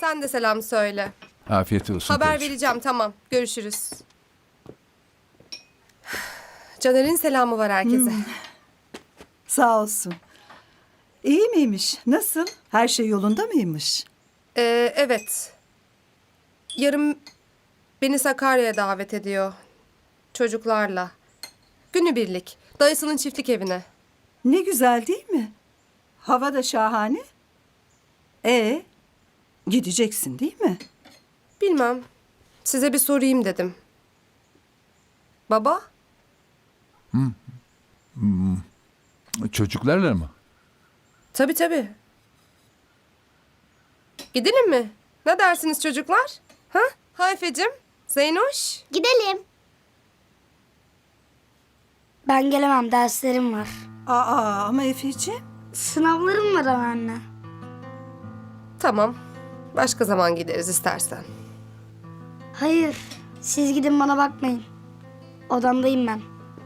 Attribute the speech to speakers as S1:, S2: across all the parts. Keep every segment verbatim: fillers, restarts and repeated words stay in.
S1: Sen de selam söyle.
S2: Afiyet olsun.
S1: Haber
S2: karıcığım.
S1: vereceğim, tamam. Görüşürüz. Caner'in selamı var herkese.
S3: Sağ olsun. İyi miymiş? Nasıl? Her şey yolunda mıymış?
S1: Ee, evet. Yarın beni Sakarya'ya davet ediyor. Çocuklarla. Günübirlik. Dayısının çiftlik evine.
S3: Ne güzel değil mi? Hava da şahane. E gideceksin değil mi?
S1: Bilmem. Size bir sorayım dedim. Baba?
S2: Çocuklarla mı?
S1: Tabii tabii. Gidelim mi? Ne dersiniz çocuklar? Ha? Hayfecim, Zeynoş.
S4: Gidelim. Ben gelemem, derslerim var.
S3: Aa ama Efeciğim.
S4: Sınavlarım var ama anne.
S1: Tamam. Başka zaman gideriz istersen.
S4: Hayır, siz gidin, bana bakmayın. Odamdayım ben.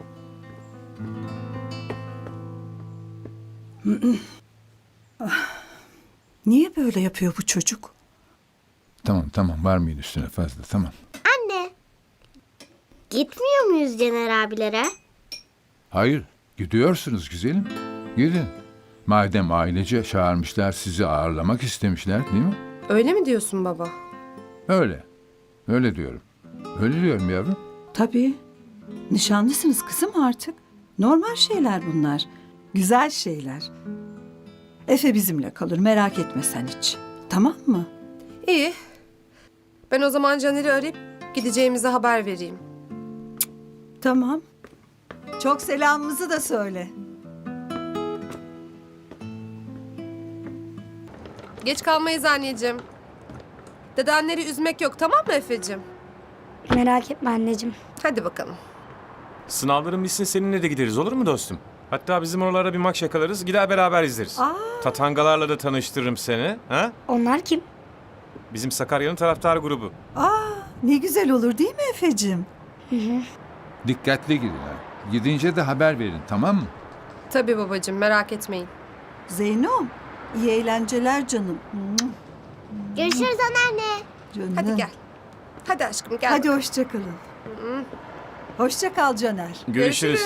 S3: Niye böyle yapıyor bu çocuk?
S2: Tamam tamam varmayın üstüne fazla tamam.
S5: Anne. Gitmiyor muyuz Cener abilere?
S2: Hayır gidiyorsunuz güzelim. Gidin. Madem ailece çağırmışlar sizi ağırlamak istemişler değil mi?
S1: Öyle mi diyorsun baba?
S2: Öyle. Öyle diyorum. Öyle diyorum yavrum.
S3: Tabii. Nişanlısınız kızım artık. Normal şeyler bunlar. Güzel şeyler. Efe bizimle kalır, merak etme sen hiç. Tamam mı?
S1: İyi. Ben o zaman Caner'i arayıp gideceğimize haber vereyim.
S3: Tamam. Çok selamımızı da söyle.
S1: Geç kalmayız anneciğim. Dedenleri üzmek yok, tamam mı Efe'cim?
S4: Merak etme anneciğim.
S1: Hadi bakalım.
S6: Sınavların bitsin seninle de gideriz olur mu dostum? Hatta bizim oralara bir maç yakalarız gider beraber izleriz.
S3: Aa.
S6: Tatangalarla da tanıştırırım seni. Ha?
S4: Onlar kim?
S6: Bizim Sakarya'nın taraftar grubu.
S3: Aa, ne güzel olur değil mi Efeciğim?
S2: Dikkatli gidin ha. Gidince de haber verin tamam mı?
S1: Tabii babacığım, merak etmeyin.
S3: Zeynom, iyi eğlenceler canım.
S5: Görüşürüz anneanne.
S3: Canım.
S1: Hadi gel. Hadi aşkım gel.
S3: Hadi
S1: bakalım.
S3: hoşça kalın. Hoşça kal Caner.
S6: Görüşürüz.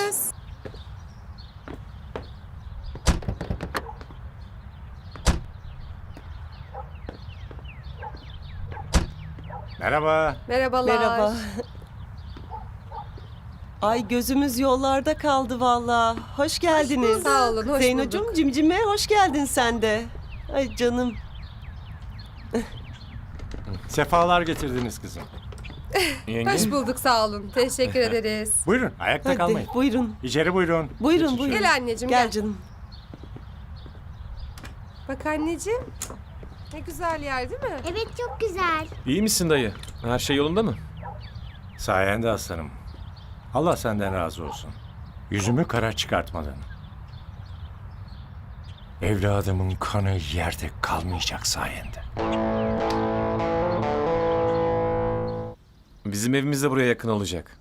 S7: Merhaba.
S1: Merhabalar.
S8: Merhaba. Ay gözümüz yollarda kaldı valla. Hoş geldiniz.
S1: Sağ olun, hoş
S8: Zeynocuğum,
S1: bulduk.
S8: cimcime hoş geldin sen de. Ay canım.
S7: Sefalar getirdiniz kızım.
S6: Yenge.
S1: Hoş bulduk, sağ olun. Teşekkür ederiz.
S7: Buyurun ayakta
S8: Hadi
S7: kalmayın.
S8: buyurun.
S7: İçeri buyurun.
S8: Buyurun
S7: Geçin
S8: buyurun.
S7: şöyle.
S1: Gel anneciğim
S8: Gel
S1: gel.
S8: canım.
S1: Bak anneciğim. Ne güzel yer değil mi?
S5: Evet çok güzel.
S6: İyi misin dayı? Her şey yolunda mı?
S7: Sayende aslanım. Allah senden razı olsun. Yüzümü kara çıkartmadın. Evladımın kanı yerde kalmayacak sayende.
S6: Bizim evimiz de buraya yakın olacak.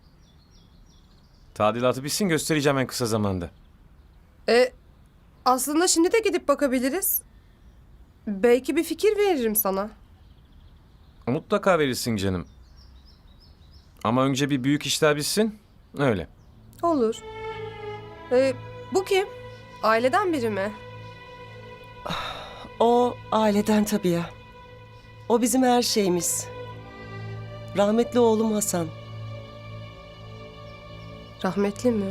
S6: Tadilatı bitsin göstereceğim en kısa zamanda.
S1: E, aslında şimdi de gidip bakabiliriz. Belki bir fikir veririm sana.
S6: Mutlaka verirsin canım. Ama önce bir büyük işler bitsin. Öyle.
S1: Olur. E, bu kim? Aileden biri mi?
S8: O aileden tabii ya. O bizim her şeyimiz. Rahmetli oğlum Hasan.
S1: Rahmetli mi?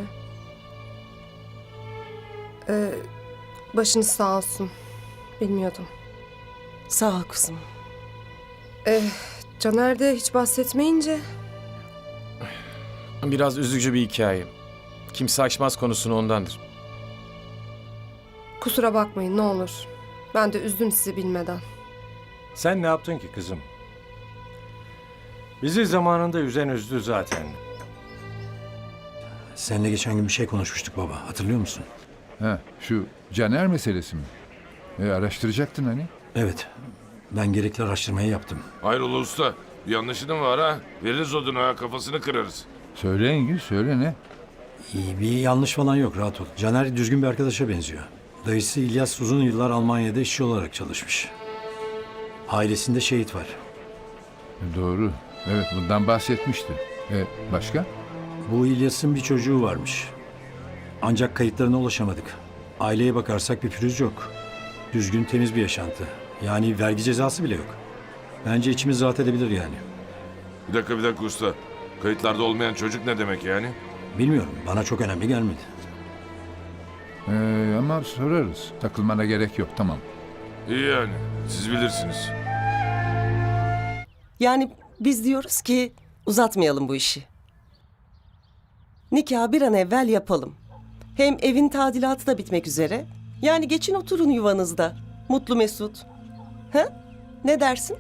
S1: E, başınız sağ olsun. Bilmiyordum.
S8: Sağ ol kızım.
S1: E, Caner de hiç bahsetmeyince...
S6: Biraz üzücü bir hikaye. Kimse açmaz konusunu ondandır.
S1: Kusura bakmayın ne olur. Ben de üzdüm sizi bilmeden.
S7: Sen ne yaptın ki kızım? Bizi zamanında üzen üzdü zaten.
S9: Seninle geçen gün bir şey konuşmuştuk baba. Hatırlıyor musun?
S2: Ha şu Caner meselesi mi? E, araştıracaktın hani.
S9: Evet. Ben gerekli araştırmayı yaptım.
S10: Hayrola usta? Bir yanlışın mı var ha? Veririz oduna kafasını kırarız.
S2: Söyle Engin söyle ne?
S9: İyi bir yanlış falan yok. Rahat ol. Caner düzgün bir arkadaşa benziyor. Dayısı İlyas uzun yıllar Almanya'da işçi olarak çalışmış. Ailesinde şehit var.
S2: Doğru. Evet, bundan bahsetmişti. E, başka?
S9: Bu İlyas'ın bir çocuğu varmış. Ancak kayıtlarına ulaşamadık. Aileye bakarsak bir pürüz yok. Düzgün, temiz bir yaşantı. Yani vergi cezası bile yok. Bence içimiz rahat edebilir yani.
S10: Bir dakika bir dakika usta. Kayıtlarda olmayan çocuk ne demek yani?
S9: Bilmiyorum, bana çok önemli gelmedi.
S2: E, ama sorarız. Takılmana gerek yok, tamam.
S10: İyi yani. Siz bilirsiniz.
S8: Yani biz diyoruz ki uzatmayalım bu işi. Nikahı bir an evvel yapalım. Hem evin tadilatı da bitmek üzere. Yani geçin oturun yuvanızda. Mutlu mesut. He? Ne dersin?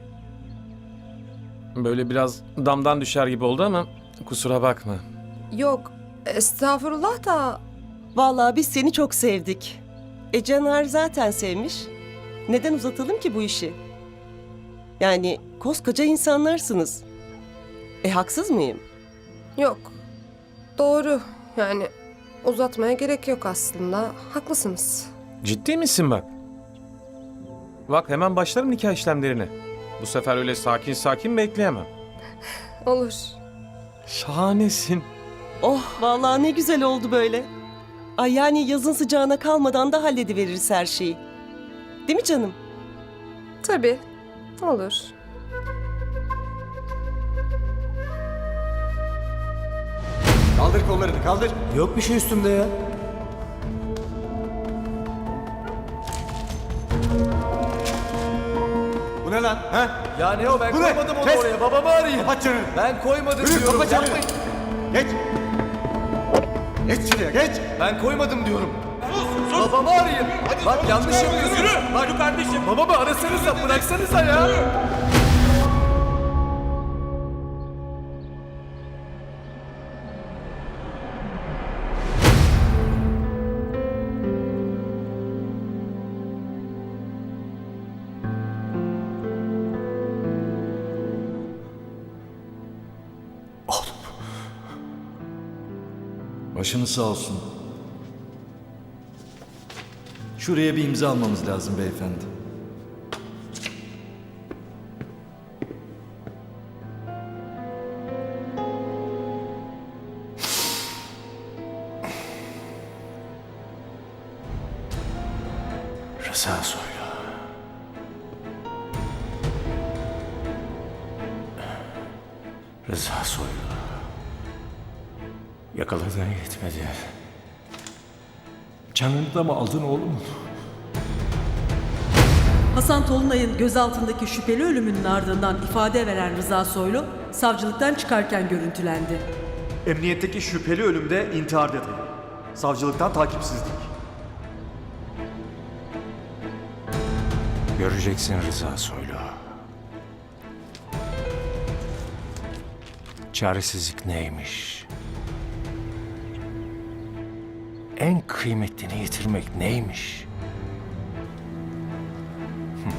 S6: Böyle biraz damdan düşer gibi oldu ama kusura bakma.
S1: Yok, estağfurullah da
S8: Vallahi biz seni çok sevdik. E Caner zaten sevmiş. Neden uzatalım ki bu işi? Yani koskoca insanlarsınız. E haksız mıyım?
S1: yok. Doğru. Yani uzatmaya gerek yok aslında. Haklısınız.
S6: Ciddi misin bak? Bak hemen başlarım nikah işlemlerine. Bu sefer öyle sakin sakin bekleyemem.
S1: Olur.
S6: Şahanesin.
S8: Oh vallahi ne güzel oldu böyle. Ay yani yazın sıcağına kalmadan da hallediveririz her şeyi. Değil mi canım?
S1: Tabii. Olur.
S11: Kaldır kollarını kaldır.
S9: Yok bir şey üstümde ya.
S11: Bu ne lan? Ha?
S12: Ya ne o ben
S11: Bu ne?
S12: koymadım onu
S11: Kes!
S12: oraya babamı arayayım.
S11: Kapat çeneni.
S12: Ben koymadım
S11: Yürü
S12: diyorum.
S11: kapat çeneni.
S12: Yapmayın.
S11: Geç. Geç şuraya geç.
S12: Ben koymadım diyorum.
S11: Sus sus.
S12: Babamı arayayım. Bak yanlış yapıyorsun.
S11: Yürü.
S12: Bak
S11: Yürü kardeşim.
S12: babamı arasanıza bıraksanıza ya.
S13: Başınız sağ olsun. Şuraya bir imza almamız lazım beyefendi.
S7: Rıza Soylu. Rıza Soylu. Yakaladığın yetmedi. Canını da mı aldın oğlum?
S14: Hasan Tolunay'ın gözaltındaki şüpheli ölümünün ardından ifade veren Rıza Soylu, savcılıktan çıkarken görüntülendi.
S12: Emniyetteki şüpheli ölümde intihar detayı. Savcılıktan takipsizlik.
S7: Göreceksin Rıza Soylu. Çaresizlik neymiş? En kıymetlini yitirmek neymiş? Hı.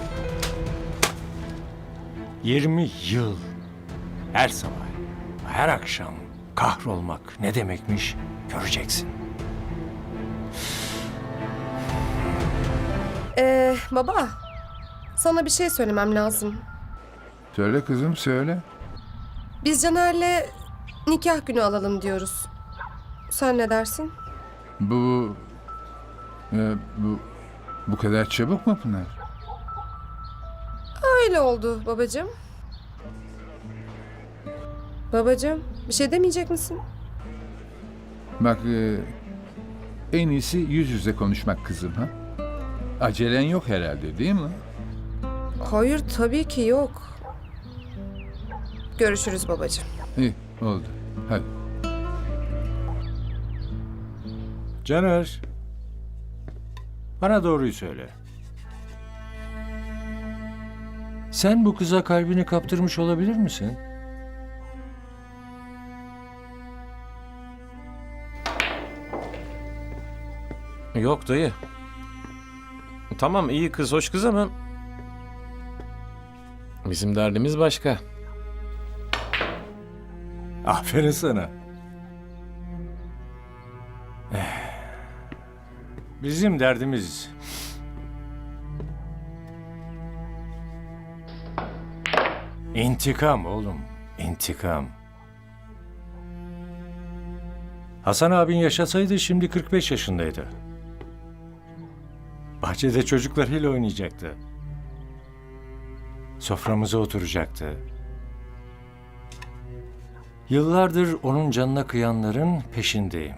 S7: Yirmi yıl her sabah, her akşam kahrolmak ne demekmiş göreceksin.
S1: Ee, baba, sana bir şey söylemem lazım.
S2: Söyle kızım, söyle.
S1: Biz Caner'le nikah günü alalım diyoruz. Sen ne dersin?
S2: Bu... e, bu... Bu kadar çabuk mu Pınar?
S1: Öyle oldu babacığım. Babacığım, bir şey demeyecek misin?
S2: Bak, e, en iyisi yüz yüze konuşmak kızım, ha? Acelen yok herhalde, değil mi?
S1: Hayır, tabii ki yok. Görüşürüz babacığım.
S2: İyi, oldu. Hadi.
S7: Caner, bana doğruyu söyle. Sen bu kıza kalbini kaptırmış olabilir misin?
S6: Yok dayı. Tamam iyi kız hoş kız ama bizim derdimiz başka.
S7: Aferin sana. Eh, Bizim derdimiz İntikam oğlum, intikam. Hasan abin yaşasaydı şimdi kırk beş yaşındaydı. Bahçede çocuklarıyla oynayacaktı. Soframıza oturacaktı. Yıllardır onun canına kıyanların peşindeyim.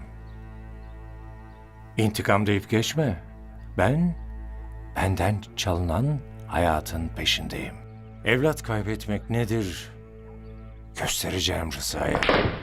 S7: İntikam deyip geçme. Ben, benden çalınan hayatın peşindeyim. Evlat kaybetmek nedir? Göstereceğim Rıza'ya.